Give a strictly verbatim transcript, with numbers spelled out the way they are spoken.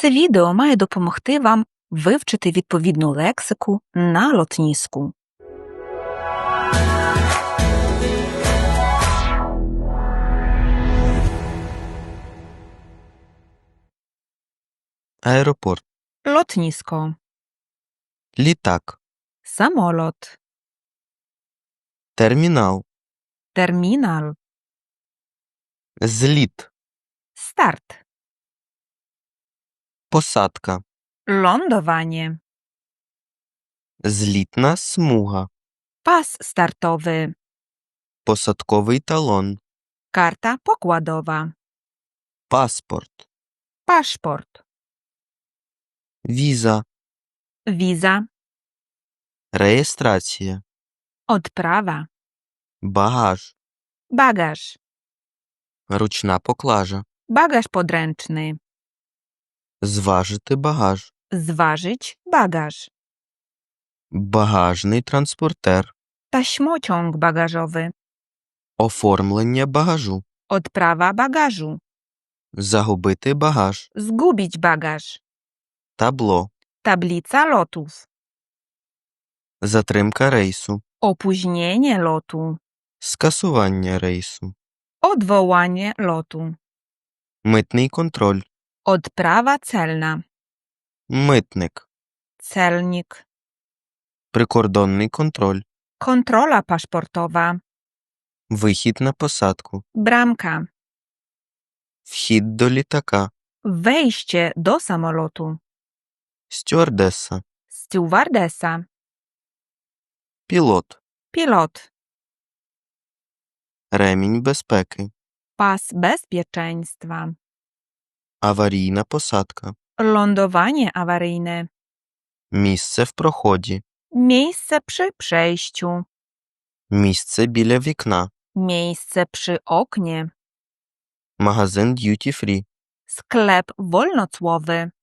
Це відео має допомогти вам вивчити відповідну лексику на лотніску. Аеропорт. Лотніsko. Літак. Самолot. Термінал. Термінал. Зліт. Start. Посадка. Lądowanie. Злітна смуга. Pas startowy. Посадковий талон. Karta pokładowa. Паспорт. Paszport. Віза. Wiza. Реєстрація. Odprawa. Багаж. Bagaż. Ручна поклажа. Bagaż podręczny. Зважити багаж. Zważyć bagaż. Багажний транспортер. Taśmociąg bagażowy. Оформлення багажу. Odprawa bagażu. Загубити багаж. Zgubić bagaż. Табло. Tablica lotów. Затримка рейсу. Opóźnienie lotu. Скасування рейсу. Odwołanie lotu. Митний контроль. Odprawa celna. Митник. Celnik. Прикордонний контроль. Kontrola paszportowa. Вихід на посадку. Bramka. Вхід до літака. Wejście do samolotu. Стюардеса. Stewardesa. Пілот. Pilot. Ремінь безпеки. Pas bezpieczeństwa. Аварійна посадка. Lądowanie awaryjne. Місце в проході. Miejsce przy przejściu. Місце біля вікна. Miejsce przy oknie. Магазин Duty Free. Sklep wolnocłowy.